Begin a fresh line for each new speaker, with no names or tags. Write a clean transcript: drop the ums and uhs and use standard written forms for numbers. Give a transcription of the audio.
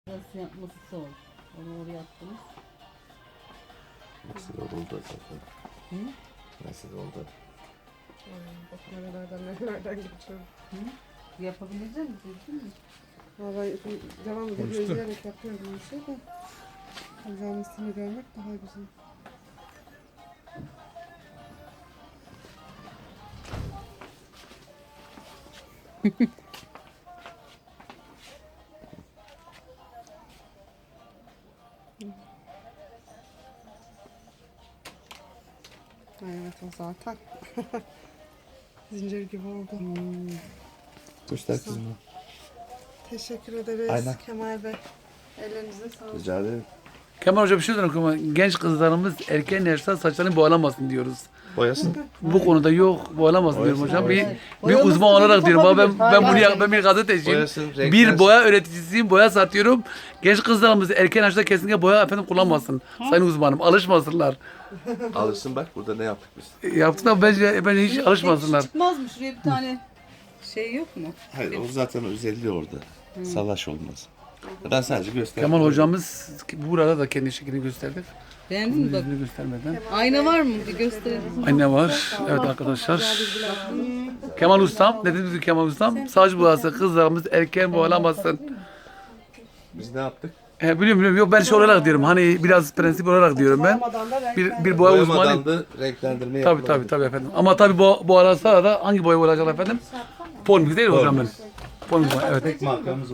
Burası yapması zor. Onu oraya attınız.
Nasıl oldu zaten?
Hı?
Nasıl oldu?
Bak nerelerden geçiyorum.
Hı? Yapabilecek misin? Değil mi?
Vallahi devam ediyor, izleyerek yapıyorum bir şey de. Güzelmesini görmek daha güzel. Evet o zaten. Zincir gibi oldu.
Göster kızım.
Teşekkür ederiz
Aynen.
Kemal Bey. Ellerinize sağlık.
Rica ederim.
Kemal Hoca bir şey söyleyeyim ama genç kızlarımız erken yaşta saçlarını boğalamasın diyoruz.
Boyasın.
Bu konuda yok boğalamasın diyorum hocam. Bir
Boyaması
uzman olarak diyorum ama ben
Hayır.
ben bir gazeteciyim.
Boyasın, renklensin.
Bir boya öğreticisiyim, boya satıyorum. Genç kızlarımız erken yaşta kesinlikle boya efendim kullanmasın. Sayın uzmanım alışmasınlar.
Alırsın bak burada ne yaptık biz.
Yaptılar bence hiç alışmasınlar.
Çıkmaz mı? Şuraya bir tane şey yok mu?
Hayır o zaten özelliği orada. Salaş olmaz. Ben sadece gösterdim.
Kemal hocamız burada da kendi şeklini gösterdi.
Beğendin mi bak?
Yüzünü göstermeden.
Ayna var mı? Bir gösterelim.
Anne var. Evet arkadaşlar. Kemal Ustam. Ne dedi Kemal Ustam? Saç boyası kızlarımız erken boğalamasın.
Biz ne yaptık?
Biliyorum. Yok ben şey olarak diyorum. Hani biraz prensip olarak diyorum ben.
Boyamadan da
Bir boya
Boyamadan
uzmanı.
da renklendirme yapılabilir.
Tabii efendim. Ama tabii bu arasında da hangi boya olacak efendim? Polmik değil mi hocam benim? Polmik boya evet.
Markamız